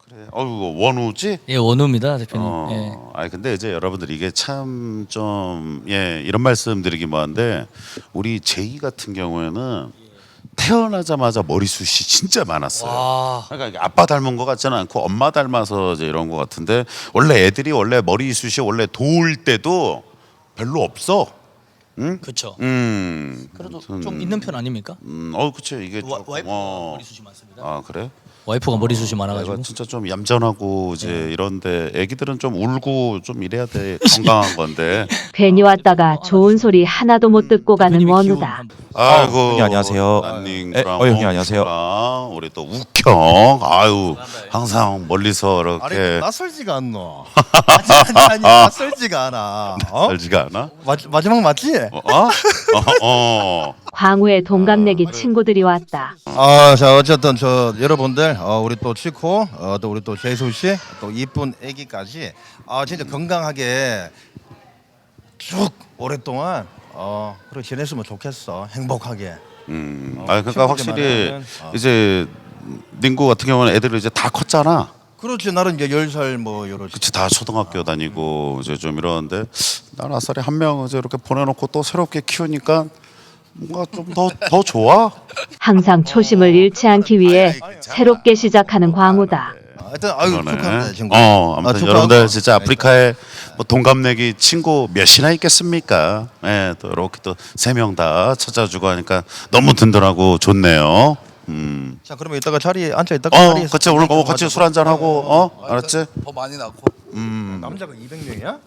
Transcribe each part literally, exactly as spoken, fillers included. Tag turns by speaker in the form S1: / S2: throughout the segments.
S1: 그래. 어우 원우지?
S2: 예, 원우입니다, 대표님.
S1: 어,
S2: 예.
S1: 아니 근데 이제 여러분들 이게 참 좀 예 이런 말씀드리기 뭐한데 우리 제이 같은 경우에는 태어나자마자 머리숱이 진짜 많았어요.
S2: 와.
S1: 그러니까 아빠 닮은 것 같지는 않고 엄마 닮아서 이제 이런 것 같은데 원래 애들이 원래 머리숱이 원래 도울 때도 별로 없어. 응?
S2: 그렇죠.
S1: 음.
S2: 그래도
S1: 아무튼,
S2: 좀 있는 편 아닙니까?
S1: 음, 어, 그치 이게
S2: 와,
S1: 조금,
S2: 와이프가
S1: 어.
S2: 머리숱이 많습니다.
S1: 아 그래?
S2: 와이프가 머리숱이
S1: 내가
S2: 많아가지고.
S1: 진짜 좀 얌전하고 이제
S2: 네.
S1: 이런데 애기들은 좀 울고 좀 이래야 돼 건강한 건데.
S3: 괜히 왔다가 좋은 소리 하나도 못 듣고 가는
S2: 대표님의
S3: 원우다.
S2: 기운 한번.
S1: 아이고
S4: 형님 안녕하세요.
S1: 난닝
S4: 에, 어, 형님 안녕하세요.
S1: 우리 또 우경 아유 항상 멀리서
S5: 아니
S1: 이렇게
S5: 낯설지가 않노. 아니 아니 낯설지가 않아. 어?
S1: 알지가 않아?
S5: 마, 마지막 맞지?
S1: 어? 어? 어, 어.
S3: 광우의 동갑내기 친구들이 왔다.
S5: 아, 자 어쨌든 저 여러분들 어, 우리 또 치코 어, 또 우리 또 재수 씨, 또 이쁜 아기까지 아 진짜 건강하게 쭉 오랫동안 어 그렇게 지냈으면 좋겠어. 행복하게.
S1: 음.
S5: 어,
S1: 아 그러니까
S5: 친구들만
S1: 확실히
S5: 하면, 어.
S1: 이제 닝구 같은 경우는 애들이 이제 다 컸잖아.
S5: 그렇지 나는 이제 열 살 뭐 요렇게.
S1: 그치 다 초등학교 다니고 이제 좀 이러는데 난 아싸리 한 명 이제 이렇게 보내놓고 또 새롭게 키우니까 뭔가 좀 더 더 좋아.
S3: 항상 초심을 잃지 않기 위해 새롭게 시작하는 광우다.
S5: 하여튼 아유
S1: 그러네.
S5: 축하합니다 친구.
S1: 어, 아무튼
S5: 아, 축하하고.
S1: 여러분들 진짜 아프리카에 뭐 동갑내기 친구 몇이나 있겠습니까? 예, 또 이렇게 또 세 명 다 찾아주고 하니까 너무 든든하고 좋네요. 음.
S5: 자 그러면 이따가 자리에 앉아 있다가
S1: 어,
S5: 자리에서
S1: 같이 오늘 뭐 같이 술 한잔 하고, 어, 알았지?
S6: 더 많이 낳고.
S1: 음.
S5: 남자가 이백 명이야?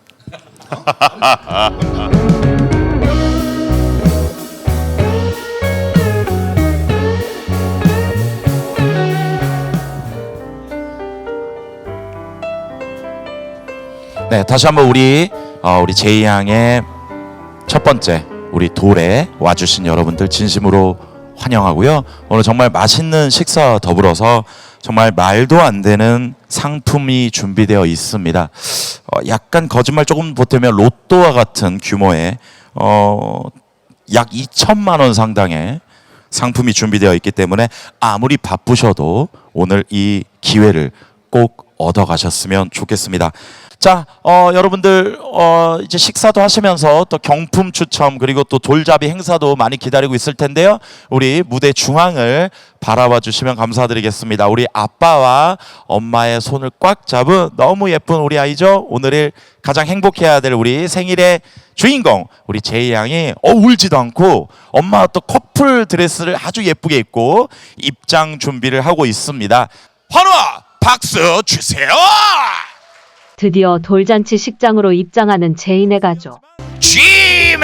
S4: 네, 다시 한번 우리 어, 우리 제이 양의 첫 번째 우리 돌에 와주신 여러분들 진심으로 환영하고요. 오늘 정말 맛있는 식사 더불어서 정말 말도 안 되는 상품이 준비되어 있습니다. 어, 약간 거짓말 조금 보태면 로또와 같은 규모의 어, 약 이천만 원 상당의 상품이 준비되어 있기 때문에 아무리 바쁘셔도 오늘 이 기회를 꼭 얻어가셨으면 좋겠습니다. 자, 어, 여러분들 어, 이제 식사도 하시면서 또 경품 추첨 그리고 또 돌잡이 행사도 많이 기다리고 있을 텐데요. 우리 무대 중앙을 바라봐 주시면 감사드리겠습니다. 우리 아빠와 엄마의 손을 꽉 잡은 너무 예쁜 우리 아이죠. 오늘을 가장 행복해야 될 우리 생일의 주인공 우리 제이 양이 어, 울지도 않고 엄마와 또 커플 드레스를 아주 예쁘게 입고 입장 준비를 하고 있습니다. 환호와 박수 주세요.
S3: 드디어 돌잔치 식장으로 입장하는 제인의 가족.
S4: G맨!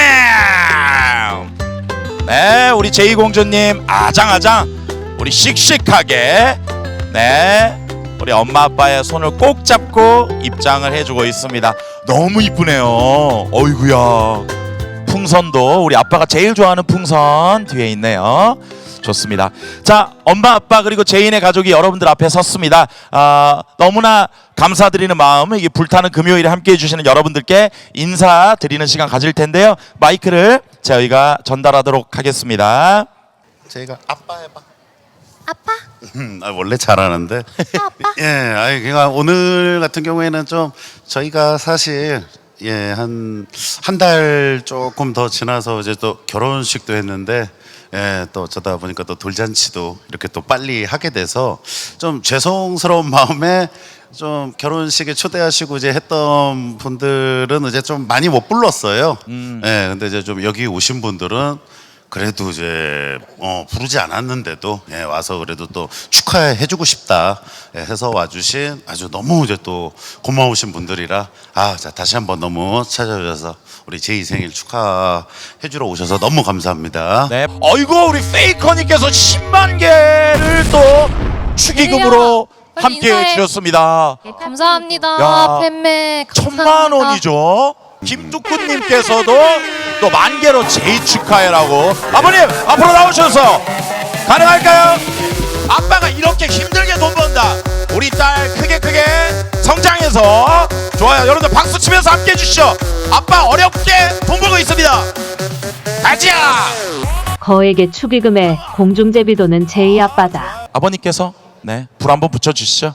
S4: 네, 우리 제이 공주님 아장아장 우리 씩씩하게 네 우리 엄마 아빠의 손을 꼭 잡고 입장을 해주고 있습니다. 너무 이쁘네요. 어이구야. 풍선도 우리 아빠가 제일 좋아하는 풍선 뒤에 있네요. 좋습니다. 자, 엄마 아빠 그리고 제인의 가족이 여러분들 앞에 섰습니다. 아, 너무나 감사드리는 마음, 이게 불타는 금요일에 함께해 주시는 여러분들께 인사드리는 시간 가질 텐데요. 마이크를 저희가 전달하도록 하겠습니다.
S1: 제가 아빠 해봐.
S7: 아빠?
S1: 음, 아, 원래 잘하는데.
S7: 아빠?
S1: 예, 아니 그러니까 오늘 같은 경우에는 좀 저희가 사실 예, 한 한 달 조금 더 지나서 이제 또 결혼식도 했는데 예, 또 어쩌다 보니까 또 돌잔치도 이렇게 또 빨리 하게 돼서 좀 죄송스러운 마음에 좀 결혼식에 초대하시고 이제 했던 분들은 이제 좀 많이 못 불렀어요.
S4: 음.
S1: 예, 근데 이제 좀 여기 오신 분들은 그래도 이제 어, 부르지 않았는데도 예, 와서 그래도 또 축하해주고 싶다 예, 해서 와주신 아주 너무 이제 또 고마우신 분들이라 아, 자 다시 한번 너무 찾아주셔서 우리 제이 생일 축하해주러 오셔서 너무 감사합니다.
S4: 네. 어이구 우리 페이커님께서 십만 개를 또 축의금으로
S7: 빨리
S4: 함께
S7: 인사해.
S4: 주셨습니다.
S7: 예, 감사합니다.
S4: 야,
S7: 팬매
S4: 천만 원이죠. 김두쿠님께서도 또 만 개로 제이 축하해라고. 아버님 앞으로 나오셔서 가능할까요? 아빠가 이렇게 힘들게 돈 번다. 우리 딸 크게 크게 성장해서 좋아요. 여러분들 박수 치면서 함께 해주시죠. 아빠 어렵게 돈 벌고 있습니다. 가자.
S3: 거액의 축의금에 공중제비도는 제이 아빠다.
S4: 아버님께서 네 불 한번 붙여주시죠.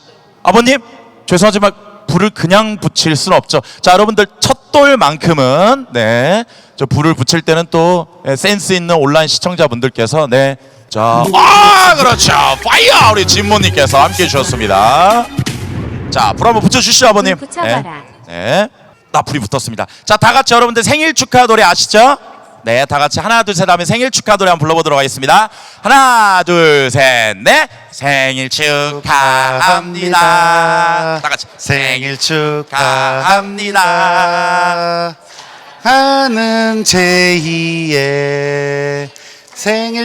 S4: 아버님 죄송하지만 불을 그냥 붙일 수는 없죠. 자 여러분들 첫 돌만큼은 네, 저 불을 붙일 때는 또 예, 센스 있는 온라인 시청자분들께서 네, 자, 아 그렇죠. 파이어 우리 진모님께서 함께 해주셨습니다. 자, 불 한번 붙여주시죠 아버님.
S3: 붙여봐라.
S4: 네, 네. 나 불이 붙었습니다. 자, 다 같이 여러분들 생일 축하 노래 아시죠? 네, 다 같이 하나 둘 셋 하면 생일 축하 노래 한번 불러보도록 하겠습니다. 하나 둘 셋 넷. 생일 축하합니다. 다 같이
S1: 생일 축하합니다. 하는 제이의 생일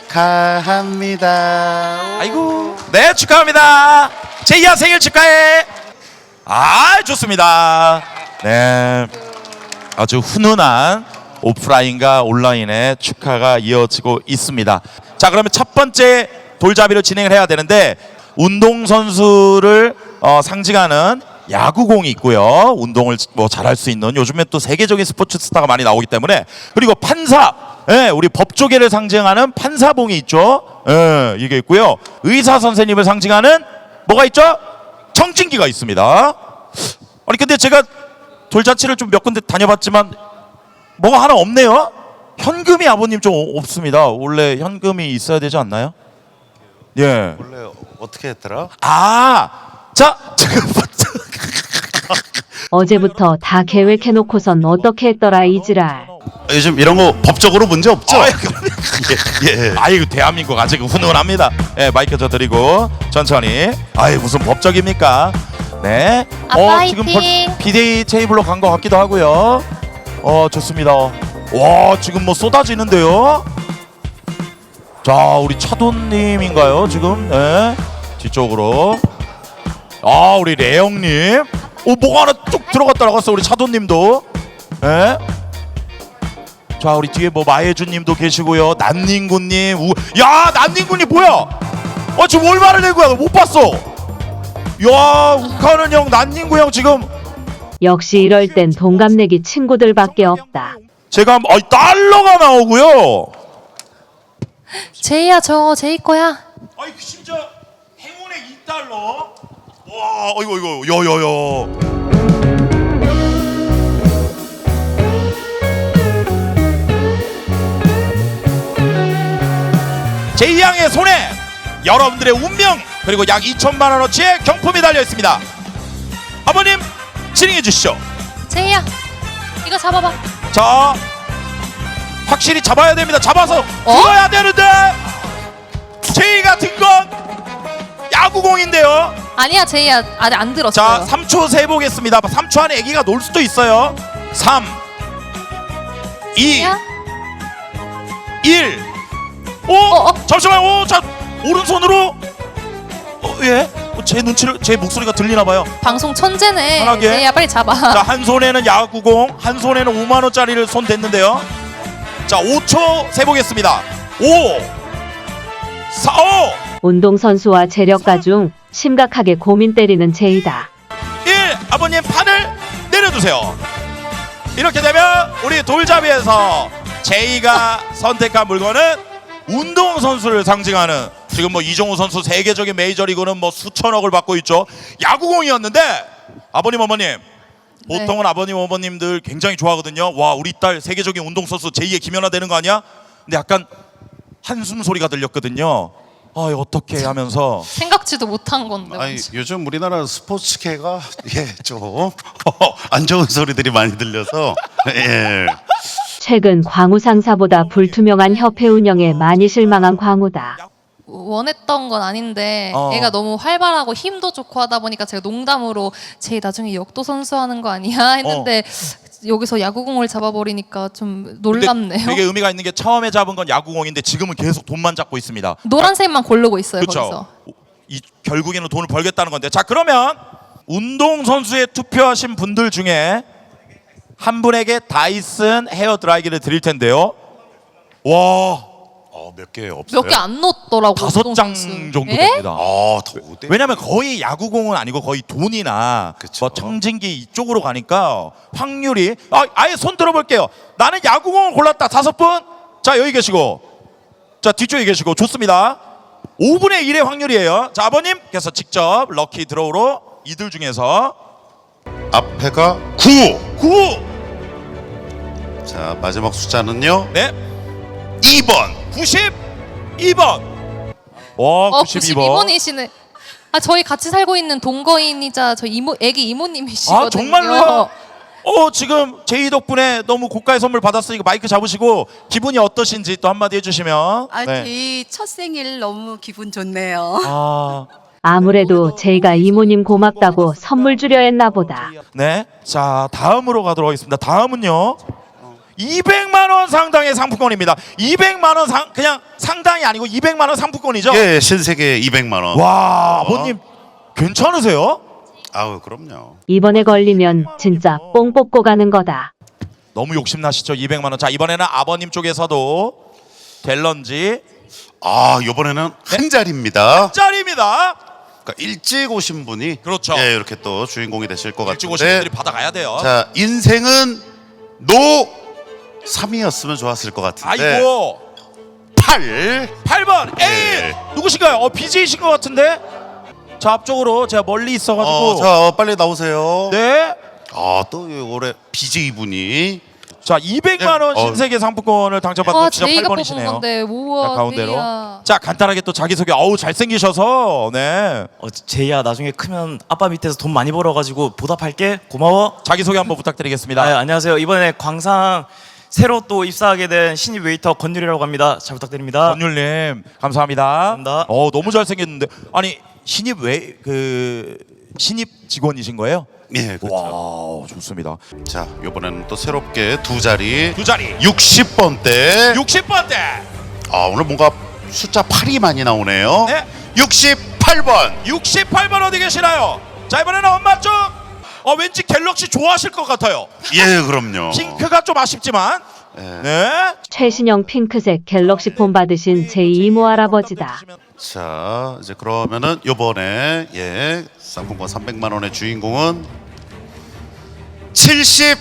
S1: 축하합니다.
S4: 아이고, 네 축하합니다. 제이야 생일 축하해. 아 좋습니다. 네, 아주 훈훈한 오프라인과 온라인의 축하가 이어지고 있습니다. 자, 그러면 첫 번째 돌잡이로 진행을 해야 되는데 운동 선수를 어, 상징하는 야구공이 있고요. 운동을 뭐 잘할 수 있는 요즘에 또 세계적인 스포츠 스타가 많이 나오기 때문에 그리고 판사, 예, 우리 법조계를 상징하는 판사봉이 있죠. 예, 이게 있고요. 의사 선생님을 상징하는 뭐가 있죠? 청진기가 있습니다. 아니 근데 제가 돌잔치를 좀 몇 군데 다녀봤지만 뭐가 하나 없네요. 현금이 아버님 좀 없습니다. 원래 현금이 있어야 되지 않나요? 예.
S1: 원래 어떻게 했더라?
S4: 아, 자 지금
S3: 어제부터 다 계획해놓고선 어떻게 했더라 이지랄.
S1: 요즘 이런 거 법적으로 문제 없죠?
S4: 아이고,
S1: 예, 예.
S4: 아이고 대한민국 아직 훈훈합니다. 예, 마이크 저 드리고 천천히. 아이 무슨 법적입니까? 네.
S7: 아빠
S4: 지금
S7: 화이팅!
S4: 비데이 테이블로 간 것 같기도 하고요. 어 좋습니다. 와 지금 뭐 쏟아지는데요. 자 우리 차돈님인가요 지금? 네. 뒤쪽으로. 아 우리 레영님. 오 뭐가 하나 뚝 들어갔다 나갔어 우리 차돈님도. 예. 자 우리 뒤에 뭐 마예준님도 계시고요. 난닝구님. 우... 야 난닝구님 뭐야? 어 지금 얼마를 낸 거야? 너 못 봤어? 야 욱하는 형 난닝구 형 지금
S3: 역시 이럴 땐 동갑내기 친구들밖에 없다.
S4: 제가 한- 아이 달러가 나오고요.
S7: 제이야 저 제이 거야.
S4: 아이 심지어 행운의 이 달러. 와 이거 이거 여여여. 제이 양의 손에 여러분들의 운명 그리고 약 이천만 원어치의 경품이 달려 있습니다. 아버님 진행해 주시죠.
S7: 제이야 이거 잡아봐.
S4: 자, 확실히 잡아야 됩니다. 잡아서
S7: 어?
S4: 들어야 되는데 제이가 든 건 야구공인데요.
S7: 아니야 제이야 아직 안
S4: 자,
S7: 들었어요.
S4: 삼 초 세보겠습니다. 삼 초 안에 아기가 놀 수도 있어요. 삼, 이,
S7: 제이야?
S4: 일. 오,
S7: 어, 어.
S4: 잠시만. 오, 자, 오른손으로. 어, 예. 어, 제 눈치를 제 목소리가 들리나 봐요.
S7: 방송 천재네.
S4: 편하게.
S7: 제이야 빨리 잡아.
S4: 자, 한 손에는 야구공, 한 손에는 오만 원짜리를 손 댔는데요. 자, 오 초 세보겠습니다. 오, 사, 오,
S3: 운동선수와 재력가 중 심각하게 고민 때리는 제이다.
S4: 일. 아버님 판을 내려주세요. 이렇게 되면 우리 돌잡이에서 제이가 선택한 물건은 운동선수를 상징하는 지금 뭐 이종우 선수 세계적인 메이저리그는 뭐 수천억을 받고 있죠. 야구공이었는데 아버님 어머님 보통은 아버님 어머님들 굉장히 좋아하거든요. 와 우리 딸 세계적인 운동선수 제이의 김연아 되는 거 아니야? 근데 약간 한숨 소리가 들렸거든요. 아 어떻게 하면서
S7: 생각지도 못한 건데.
S1: 아니 요즘 우리나라 스포츠계가 예좀 안 좋은 소리들이 많이 들려서 예.
S3: 최근 광우 상사보다 불투명한 협회 운영에 많이 실망한 광우다.
S7: 원했던 건 아닌데
S4: 어.
S7: 애가 너무 활발하고 힘도 좋고 하다 보니까 제가 농담으로 제이 나중에 역도 선수 하는 거 아니야 했는데 여기서 야구공을 잡아버리니까 좀 놀랍네요.
S4: 근데 되게 의미가 있는 게 처음에 잡은 건 야구공인데 지금은 계속 돈만 잡고 있습니다.
S7: 노란색만 고르고 있어요. 거기서.
S4: 그렇죠. 이 결국에는 돈을 벌겠다는 건데. 자 그러면 운동 선수에 투표하신 분들 중에 한 분에게 다이슨 헤어 드라이기를 드릴 텐데요. 와
S1: 어, 몇 개 없어요?
S7: 몇 개 안 넣었더라고.
S4: 다섯 장
S7: 운동선수.
S4: 정도
S7: 에?
S4: 됩니다.
S1: 아, 더 돼?
S4: 왜냐면 거의 야구공은 아니고 거의 돈이나
S1: 그쵸.
S4: 뭐 청진기 이쪽으로 가니까 확률이 아, 아예 손 들어볼게요. 나는 야구공을 골랐다. 다섯 분. 자 여기 계시고 자 뒤쪽에 계시고 좋습니다. 오분의 일의 확률이에요. 자, 아버님께서 직접 럭키 드로우로 이들 중에서
S1: 앞에가 구.
S4: 구.
S1: 자, 마지막 숫자는요.
S4: 네.
S1: 이 번.
S4: 구십이 번. 와,
S7: 어,
S4: 구십이 번.
S7: 구십이 번이시네. 아, 저희 같이 살고 있는 동거인이자 저희 이모, 애기 이모님이시거든요.
S4: 아, 정말로요? 어, 지금 제이 덕분에 너무 고가의 선물 받았으니까 마이크 잡으시고 기분이 어떠신지 또 한마디 해주시면.
S6: 아,
S4: 네.
S6: 제이 첫 생일 너무 기분 좋네요.
S4: 아,
S3: 아무래도 제이가 이모님 고맙다고 선물 주려 했나 보다.
S4: 네. 자, 다음으로 가도록 하겠습니다. 다음은요. 이백만 원 상당의 상품권입니다. 이백만 원 상 그냥 상당이 아니고 이백만 원 상품권이죠?
S1: 예, 신세계 이백만 원.
S4: 와, 아버님 괜찮으세요?
S1: 아우, 그럼요.
S3: 이번에 걸리면 진짜 뽕 뽑고 가는 거다.
S4: 너무 욕심나시죠? 이백만 원. 자, 이번에는 아버님 쪽에서도 될런지
S1: 아, 이번에는 한 자리입니다.
S4: 짤입니다.
S1: 그러니까 일찍 오신 분이
S4: 그렇죠.
S1: 예, 이렇게 또 주인공이 되실 것
S4: 일찍 오신 분들이
S1: 같은데.
S4: 받아가야 돼요.
S1: 자, 인생은 노 삼이었으면 좋았을 것 같은데.
S4: 아이고.
S1: 팔.
S4: 팔 번 A
S1: 네.
S4: 누구신가요? 어, 비제이신 것 같은데. 자, 앞쪽으로 제가 멀리 있어가지고.
S1: 어, 자, 어, 빨리 나오세요.
S4: 네.
S1: 아, 또 올해 비제이 분이.
S4: 자, 이백만 원
S1: 네. 어.
S4: 신세계 상품권을 당첨받은
S7: 아,
S4: 진짜
S7: 제이가
S4: 팔
S7: 뽑은
S4: 번이시네요.
S7: 건데 우와,
S4: 자, 가운데로.
S7: 제이야.
S4: 자, 간단하게 또 자기소개. 어우, 잘생기셔서. 네.
S8: 어, 제이야 나중에 크면 아빠 밑에서 돈 많이 벌어가지고 보답할게. 고마워.
S4: 자기소개 한번 부탁드리겠습니다.
S8: 아, 안녕하세요. 이번에 광상 새로 또 입사하게 된 신입 웨이터 건율이라고 합니다. 잘 부탁드립니다.
S4: 권율님 감사합니다.
S8: 감사합니다.
S4: 어, 너무 잘생겼는데. 아니, 신입 왜 그 신입 직원이신 거예요?
S1: 예, 그렇죠.
S4: 와, 좋습니다.
S1: 자, 이번에는 또 새롭게 두 자리.
S4: 두 자리.
S1: 육십 번대.
S4: 육십 번대.
S1: 아, 오늘 뭔가 숫자 팔이 많이 나오네요.
S4: 네.
S1: 육십팔 번.
S4: 육십팔 번 어디 계시나요? 자, 이번에는 엄마 쪽. 어, 왠지 갤럭시 좋아하실 것 같아요.
S1: 예, 그럼요.
S4: 핑크가 좀 아쉽지만.
S1: 예.
S4: 네.
S3: 최신형 핑크색 갤럭시 폰 받으신 제이 이모 할아버지다.
S1: 자, 이제 그러면은 요번에 예, 상품권 삼백만 원의 주인공은 칠십이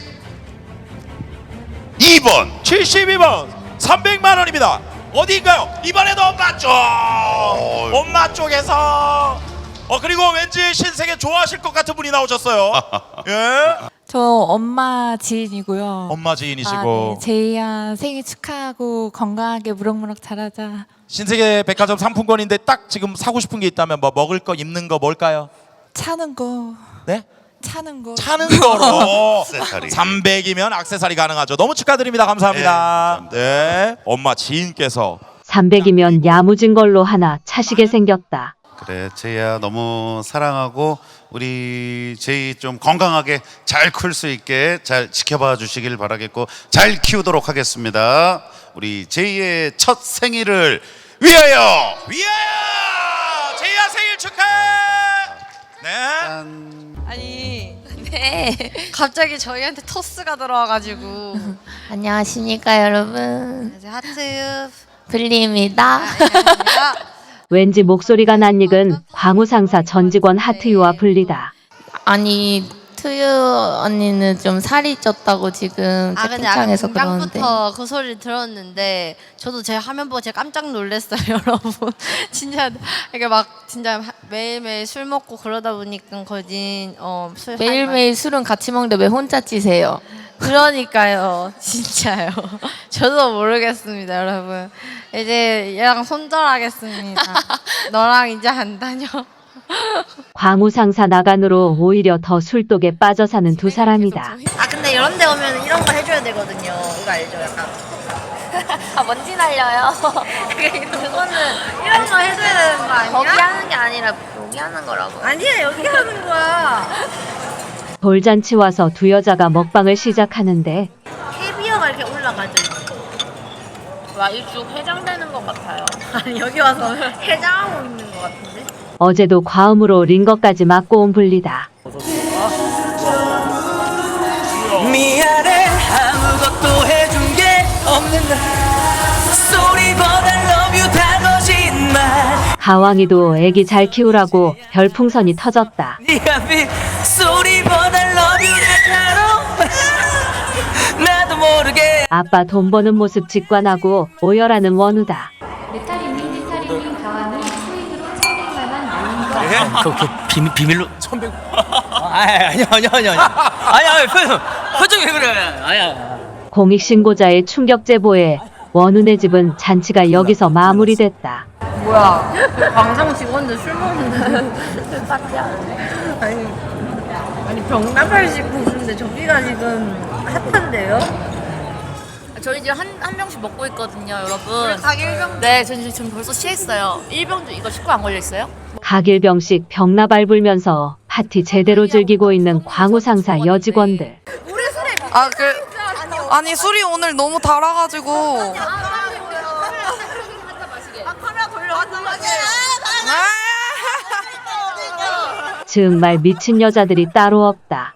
S1: 번.
S4: 칠십이 번 삼백만 원입니다. 어디인가요? 이번에도 엄마 쪽. 엄마 쪽에서. 어, 그리고 왠지 신세계 좋아하실 것 같은 분이 나오셨어요. 예.
S9: 저 엄마 지인이고요.
S4: 엄마 지인이시고.
S9: 아, 네. 제이야 생일 축하하고 건강하게 무럭무럭 자라자.
S4: 신세계 백화점 상품권인데 딱 지금 사고 싶은 게 있다면 뭐 먹을 거, 입는 거 뭘까요?
S9: 차는 거,
S4: 네?
S9: 차는 거.
S4: 차는 거로
S1: 액세서리.
S4: 삼백이면 액세서리 가능하죠. 너무 축하드립니다. 감사합니다.
S1: 네,
S4: 네. 엄마 지인께서
S3: 삼백이면 야무진 걸로 하나 차시게 생겼다.
S1: 그래, 제이야 너무 사랑하고 우리 제이 좀 건강하게 잘 클 수 있게 잘 지켜봐 주시길 바라겠고 잘 키우도록 하겠습니다. 우리 제이의 첫 생일을 위하여.
S4: 위하여 제이야 생일 축하해. 네.
S6: 아니, 네. 갑자기 저희한테 토스가 들어와가지고.
S10: 안녕하십니까 여러분,
S6: 이제 하트.
S10: 블리입니다.
S3: 왠지 목소리가 낯익은 광우상사 전 직원 하트유와 불리다.
S10: 아니 투유 언니는 좀 살이 쪘다고 지금
S6: 아 근데 아까
S10: 채팅창에서 그러는데
S6: 공장부터 그 소리를 들었는데 저도 제 화면 보고 제가 깜짝 놀랐어요. 여러분 진짜 이게 막 진짜 하- 매일매일 술 먹고 그러다 보니까 거진 어술
S10: 매일매일 술은 같이 먹는데 왜 혼자 찌세요?
S6: 그러니까요. 진짜요. 저도 모르겠습니다, 여러분. 이제 얘랑 손절하겠습니다. 너랑 이제 안 다녀.
S3: 광우상사 나간으로 오히려 더 술독에 빠져 사는 두 사람이다.
S6: 아 근데 이런 데 오면 이런 거 해줘야 되거든요. 이거 알죠? 약간
S10: 아 먼지 날려요.
S6: 그거는 이런 거 해줘야 되는 거 아니야?
S10: 거기 하는 게 아니라 여기 하는 거라고.
S6: 아니야, 여기 하는 거야.
S3: 돌잔치 와서 두 여자가 먹방을 시작하는데
S6: 캐비어가 이렇게 올라가죠.
S10: 와 일주 해장되는 것 같아요.
S6: 아니 여기 와서 해장하고 있는 거 같은데?
S3: 어제도 과음으로 링거까지 맞고 온 불리다.
S8: 미안해 아무것도 해준 게 없는 날 소리보다 love you 다 거짓말
S3: 가왕이도 애기 잘 키우라고 별풍선이 터졌다.
S8: 네가 비 소리보다 love you 다 나도 모르게
S3: 아빠 돈 버는 모습 직관하고 오열하는 원우다.
S11: 내 딸이니 내 딸이니 가와니
S2: 그, 그 비밀 비밀로 천백. 아니 아니 아니 아니 아니 아니 아니 표정 표정이 왜 그래? 아야.
S3: 공익신고자의 충격 제보에 원훈의 집은 잔치가 여기서 마무리됐다.
S6: 뭐야? 광장 직원들 술 먹는데 파티야? 아니 아니 병나발식 보는데 저기가 지금 핫한데요?
S10: 저희 지금 한, 한 병씩 먹고 있거든요, 여러분.
S6: 각 일 병.
S10: 네, 전 지금 지금 벌써 취했어요. 일 병도 이거 식구 안 걸려있어요?
S3: 각일병씩 병나발 불면서 파티 제대로 즐기고 있는 광우 상사 여직원들.
S9: 아, 그 아니 술이 오늘 너무 달아가지고.
S3: 정말 미친 여자들이 따로 없다.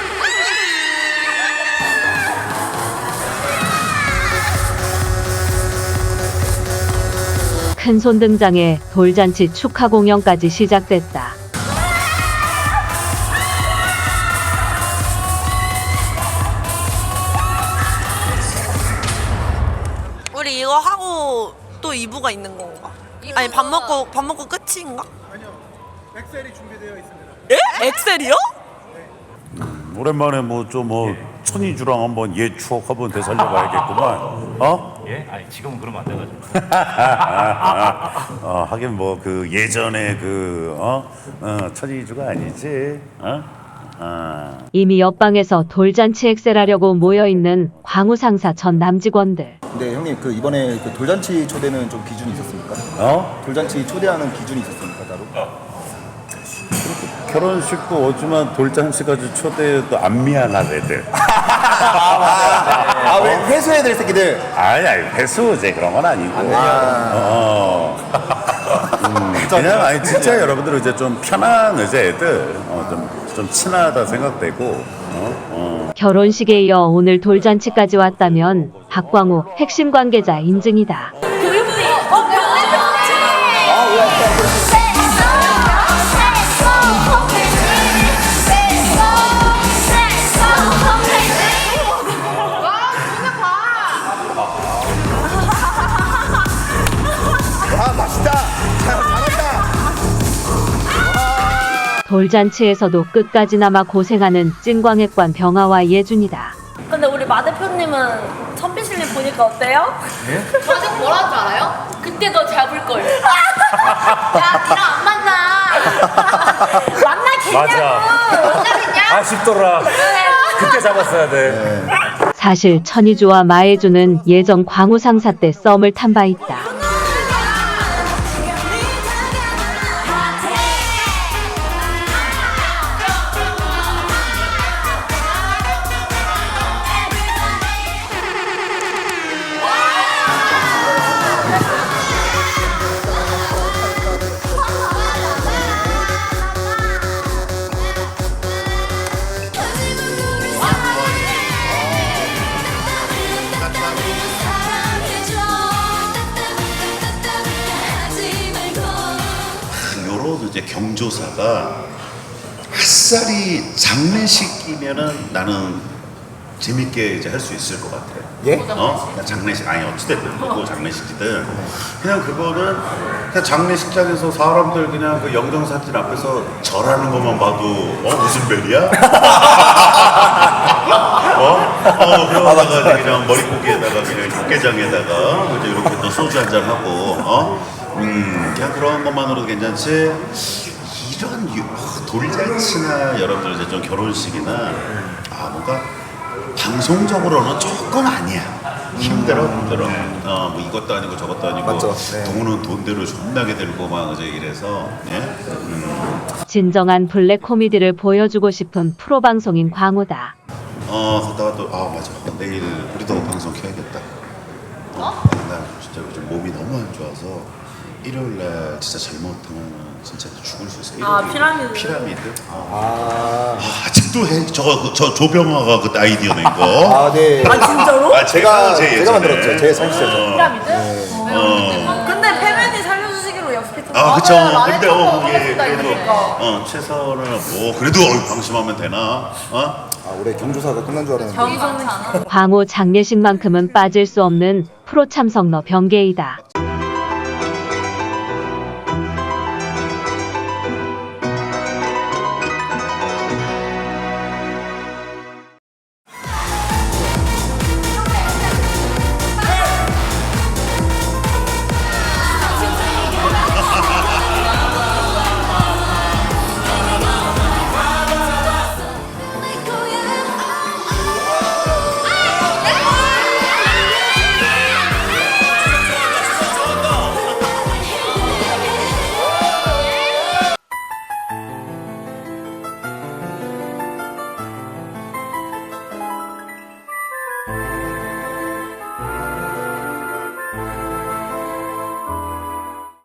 S3: 큰손 등장에 돌잔치 축하 공연까지 시작됐다.
S9: 우리 이거 하고 또 이 부가 있는 건가? 아니 밥 먹고 밥 먹고 끝인가? 아니요. 엑셀이 준비되어 있습니다. 예? 엑셀이요?
S1: 오랜만에 뭐 좀 뭐 천이주랑 한번 옛 추억 한번 되살려봐야겠구만. 어?
S8: 예? 아니 지금은 그러면 안 돼가지고.
S1: 어, 하긴 뭐 그 예전에 그 어? 어 천이주가 아니지. 어? 어.
S3: 이미 옆방에서 돌잔치 엑셀하려고 모여있는 광우 상사 전 남직원들.
S11: 네 형님 그 이번에 그 돌잔치 초대는 좀 기준이 있었습니까?
S1: 어?
S11: 돌잔치 초대하는 기준이 있었습니까 따로?
S1: 결혼식도 오지만 돌잔치 가지고 초대해도 안 미안한 애들.
S11: 아 왜 회수해야 될 새끼들?
S1: 아니 아니 회수 이제 그런 건 아니고. 어. 음, 그냥 아니 진짜 여러분들 이제 좀 편한 이제 애들 어, 좀 좀 친하다 생각되고. 어? 어.
S3: 결혼식에 이어 오늘 돌잔치까지 왔다면 박광우 핵심 관계자 인증이다.
S11: 아 맛있다. 잘한다.
S3: 돌잔치에서도 끝까지나마 고생하는 찐광핵관 병아와 예준이다.
S10: 근데 우리 마 대표님은 선비실님 보니까 어때요? 예? 저 지금 뭐라는 줄 알아요? 그때 너 잡을걸. 야, 니랑 안 만나. 만나겠냐고. 만나겠냐?
S8: 아쉽더라. 그때 잡았어야 돼.
S3: 사실 천이주와 마예주는 예전 광우 상사 때 썸을 탄 바 있다.
S1: 요런 이제 경조사가 아싸리 장례식이면은 나는 재밌게 이제 할 수 있을 것 같아.
S11: 예?
S1: 어? 그냥 장례식 아니 어찌됐든 그거 장례식이든 그냥 그거는 그냥 장례식장에서 사람들 그냥 그 영정 사진 앞에서 절하는 것만 봐도 어 무슨 별이야? 어? 어 그러다가 그냥 머리고기에다가 그냥 육개장에다가 이제 이렇게 또 소주 한잔 하고 어? 음 그냥 그런 것만으로도 괜찮지. 이런 유, 어, 돌잔치나 여러분들 이제 좀 결혼식이나 아 뭔가 방송적으로는 조금 아니야. 힘들어 힘들어. 어뭐 이것도 아니고 저것도 아니고
S11: 맞죠. 네.
S1: 돈은 돈대로 존나게 들고 막 이제 이래서 예? 음.
S3: 진정한 블랙 코미디를 보여주고 싶은 프로 방송인 광우다.
S1: 어 갔다가 또 아 맞아 내일 우리도 방송 켜야겠다. 어? 나 진짜 요즘 몸이 너무 안 좋아서 일요일날 진짜 잘못하면 진짜 죽을 수 있어.
S10: 아, 피라미드.
S1: 피라미드. 아, 아 아직도 해. 저저 저 조병화가 그 아이디어 낸 거.
S11: 아 네.
S10: 아, 진짜로?
S1: 아 제가 제
S11: 제가
S1: 예전에.
S11: 만들었죠. 제 사실이죠.
S10: 피라미드?
S1: 어.
S10: 근데 패맨이 살려주시기로 약속했잖아.
S1: 아 그쵸. 근데 어 그게
S10: 하겠다
S1: 그래도
S10: 이러니까.
S1: 어 최선을 뭐 그래도 어, 방심하면 되나? 어?
S11: 아 올해 경조사가 끝난 줄 알았는데.
S3: 광우 장례식만큼은 빠질 수 없는 프로 참석러 병계이다.